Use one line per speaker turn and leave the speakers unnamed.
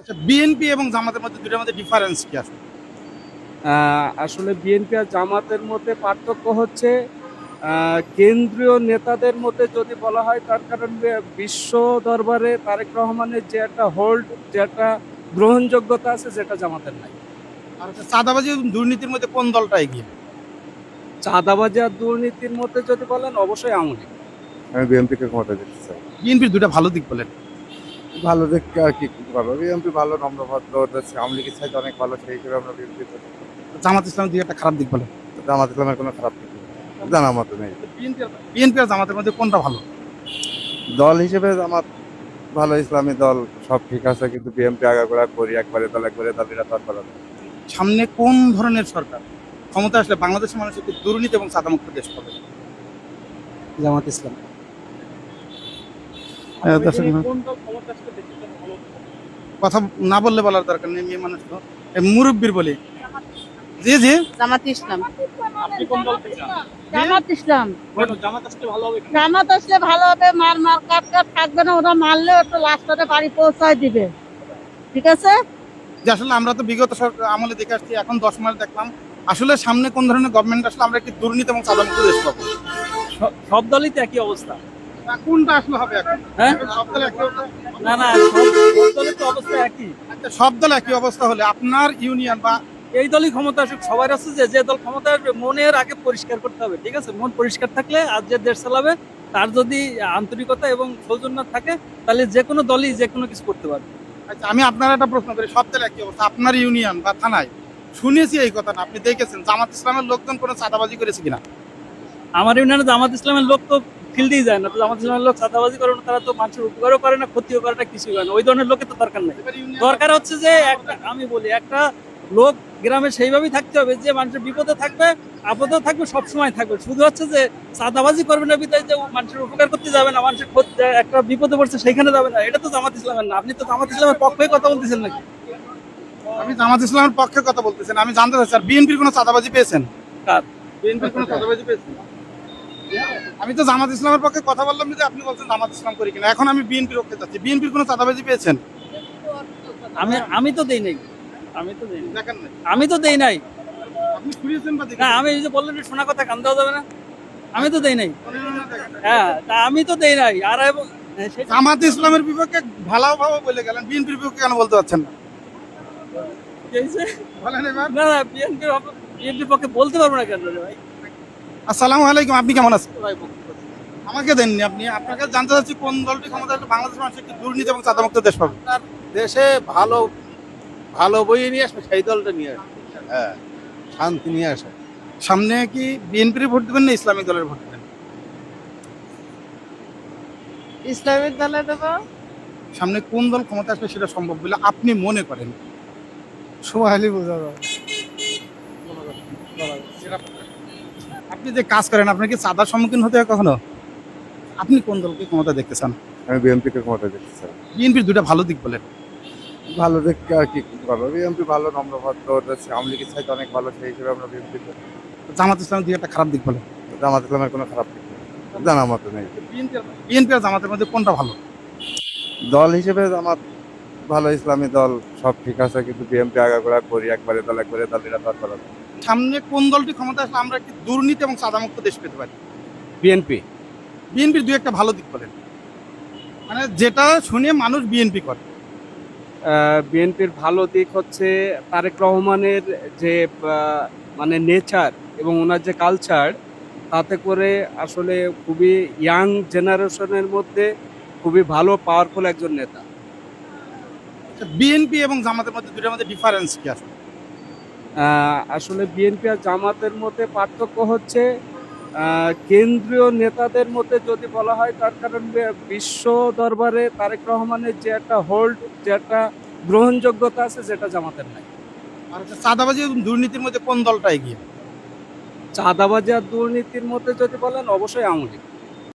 আচ্ছা, বিএনপি এবং জামাতের মধ্যে দুটার মধ্যে ডিফারেন্স কি আছে?
আসলে বিএনপি আর জামাতের মধ্যে পার্থক্য হচ্ছে কেন্দ্রীয় নেতাদের মধ্যে যদি বলা হয়, তার কারণ বিশ্ব দরবারে তারেক রহমানের যে একটা হোল্ড, যে একটা গ্রহণযোগ্যতা আছে, যেটা জামাতের নাই।
আর হচ্ছে চাঁদাবাজি এবং দুর্নীতির মধ্যে কোন দলটা এগিয়ে?
চাঁদাবাজি আর দুর্নীতির মধ্যে যদি বলেন, অবশ্যই আওয়ামী লীগ।
আমি বিএনপিকে ক্ষমতা দিতে চাই।
বিএনপির দুটা ভালো দিক বলেন।
ভালো দেখতে আর কি করবো, বিএনপি ভালো, নম্রভদ্র, আওয়ামী লীগের সাইড অনেক ভালো, সেই হিসেবে আমরা বিএনপি করি।
জামাত ইসলামের দুই একটা খারাপ দিক বলেন।
জামাত ইসলামের কোনো খারাপ দিক নেই, জানার মতো নেই।
বিএনপি আর জামাতের মধ্যে কোনটা ভালো?
দল হিসেবে জামাত ভালো, ইসলামী দল, সব ঠিক আছে, কিন্তু বিএনপি আগাগোড়া করি, একবারে দল এটা তো আর করা যায় না।
সামনে কোন ধরনের সরকার ক্ষমতা আসলে বাংলাদেশের মানুষ একটি দুর্নীতি এবং চাঁদামুক্ত দেশ পাবে?
জামাত ইসলাম। কোন দল ক্ষমতা আসলে বেশি ভালো হবে?
কথা না বললে বলার দরকার নেই, মেয়ে মানুষ তো। মুরব্বীর বলি। জি জি।
জামাত ইসলাম।
আপনি কোন দলকে চান?
জামাত ইসলাম।
কেন জামাত আসলে ভালো হবে কেন?
জামাত আসলে ভালো হবে, মার মার কাট কাট থাকবে না, ওরা মারলে একটু লাস্টে বাড়ি পৌঁছায় দিবে। ঠিক আছে।
যে আসলে আমরা তো বিগত সরকার আমলে দেখে আসছি, এখন 10 মাস দেখলাম আসলে সামনে কোন ধরনের গভর্নমেন্ট আসলে আমরা একটি দুর্নীতি এবং চাঁদামুক্ত দেশ পাবো।
সব দলই তো একই অবস্থা।
কোনটা আসলে হবে এখন?
হ্যাঁ?
সব দল একই অবস্থা?
না, সব দলের তো অবস্থা একই।
আচ্ছা, সব দল একই অবস্থা হলে আপনার ইউনিয়ন বা
এই দলই ক্ষমতা আসুক, সবার আছে যে দল ক্ষমতা আসবে, মনের আগে পরিষ্কার করতে হবে। ঠিক আছে, মন পরিষ্কার থাকলে আর যে দেশ চালাবে, তার যদি আন্তরিকতা এবং সৌজন্য থাকে, তাহলে যে কোনো দলই যে কোনো কিছু করতে পারবে।
আচ্ছা, আমি আপনার একটা প্রশ্ন করি, সব দল একই অবস্থা, আপনার ইউনিয়ন বা থানায় শুনেছি এই কথা না, আপনি দেখেছেন জামাত ইসলামের লোকজন কোনো চাঁদাবাজি করেছে কিনা?
আমার ইউনিয়নে জামাত ইসলামের লোক তো ফিল্ডেই যায় না, তো জামাত ইসলামের লোক চাঁদাবাজি করে না, তারা তো মানুষের উপকারও করে না, ক্ষতিও করে না, কিছুই করে না। ওই ধরনের লোকের তো দরকার নেই। দরকার হচ্ছে যে আমি বলি, একটা লোক গ্রামে সেইভাবেই থাকতে হবে যে মানুষের বিপদে থাকবে, আপদেও থাকবে, সবসময় থাকবে। শুধু হচ্ছে যে চাঁদাবাজি করবে না বিদায় যে মানুষের উপকার করতে যাবে না, মানুষের একটা বিপদে পড়ছে সেইখানে যাবে না, এটা তো জামাত ইসলামের না। আপনি তো জামাত ইসলামের পক্ষে কথা বলতেছেন নাকি?
আমি জামাত ইসলামের পক্ষে কথা বলতেছেন, আমি জানতে চাচ্ছি আর বিএনপির কোনো চাঁদাবাজি পেয়েছেন?
কার?
বিএনপির কোনো চাঁদাবাজি পেয়েছেন? আমি তো জামাত ইসলামের পক্ষে কথা বললাম যে আপনি বলছেন জামাত ইসলাম করি কিনা, এখন আমি বিএনপির পক্ষে যাচ্ছি। বিএনপির কোনো চাঁদাবাজি পেয়েছেন?
আমি তো দেই নাই।
দেখেন না,
আমি তো দেই নাই।
আপনি শুনেছেন বা
না,
দেখেছেন?
আমি এই যে বললেন যে শোনা কথা কান দেওয়া যাবে না, আমি তো দেই নাই।
শোনেন না, দেখেন না।
হ্যাঁ, তা আমি তো দেই নাই। আর
জামাত ইসলামের বিপক্ষে ভালো ভালো বলে গেলেন, বিএনপির বিপক্ষে কেন বলতে পারছেন না? বলেন এবার।
না, বিএনপির পক্ষে বলতে পারবো না কেন রে ভাই?
আসসালামু আলাইকুম, আপনি কেমন আছেন? আমাকে দেননি আপনি, আপনাকে জানতে চাচ্ছি কোন দলটি ক্ষমতা আসলে বাংলাদেশের মানুষ একটি দুর্নীতি এবং চাঁদামুক্ত দেশ পাবে?
দেশে ভালো ভালো বই নিয়ে আসবে, সেই দলটা নিয়ে আসবে। হ্যাঁ, শান্তি নিয়ে আসে।
সামনে কি বিএনপির ভোট দেবেন না ইসলামিক দলের ভোট দেবেন?
ইসলামিক দলে দেবো।
সামনে কোন দল ক্ষমতা আসলে সেটা সম্ভব বলে আপনি মনে করেন?
সোহালি বোঝা যায়।
আপনি যে কাজ করেন, আপনার কি চাঁদার সম্মুখীন হতে হয় কখনো? আপনি কোন দলকে ক্ষমতা দেখতে চান?
আমি বিএনপিকে ক্ষমতা দিতে চাই।
বিএনপির দুটা ভালো দিক বলেন।
ভালো দেখতে আর কি করবো, বিএনপি ভালো, নম্রভদ্র, আওয়ামী লীগের সাইড অনেক ভালো, সেই হিসেবে আমরা বিএনপি করি।
জামাত ইসলামের দুই একটা খারাপ দিক বলেন।
জামাত ইসলামের কোনো খারাপ দিক নেই, জানার মতো নেই।
বিএনপি আর জামাতের মধ্যে কোনটা ভালো?
দল হিসেবে জামাত ভালো, ইসলামী দল, সব ঠিক আছে, কিন্তু বিএনপি আগাগোড়া করি, একবারে দল এটা তো আর করা যায় না।
সামনে কোন দলটি ক্ষমতা আসলে আমরা একটি দুর্নীতি এবং চাঁদামুক্ত দেশ পেতে পারি?
বিএনপি।
বিএনপির দুই একটা ভালো দিক বলেন, মানে যেটা শুনে মানুষ বিএনপি করে।
বিএনপির ভালো দিক হচ্ছে তারেক রহমানের যে মানে নেচার এবং ওনার যে কালচার, তাতে করে আসলে খুবই ইয়াং জেনারেশনের মধ্যে খুবই ভালো পাওয়ারফুল একজন নেতা।
বিএনপি এবং জামাতের মধ্যে দুটার মধ্যে ডিফারেন্স কি আছে?
আসলে বিএনপি আর জামাতের মধ্যে পার্থক্য হচ্ছে কেন্দ্রীয় নেতাদের মধ্যে যদি বলা হয়, তার কারণ বিশ্ব দরবারে তারেক রহমানের যে একটা হোল্ড, যে একটা গ্রহণযোগ্যতা আছে, যেটা জামাতের নাই।
আর হচ্ছে চাঁদাবাজি এবং দুর্নীতির মধ্যে কোন দলটা এগিয়ে?
চাঁদাবাজি আর দুর্নীতির মধ্যে যদি বলেন, অবশ্যই আওয়ামী লীগ।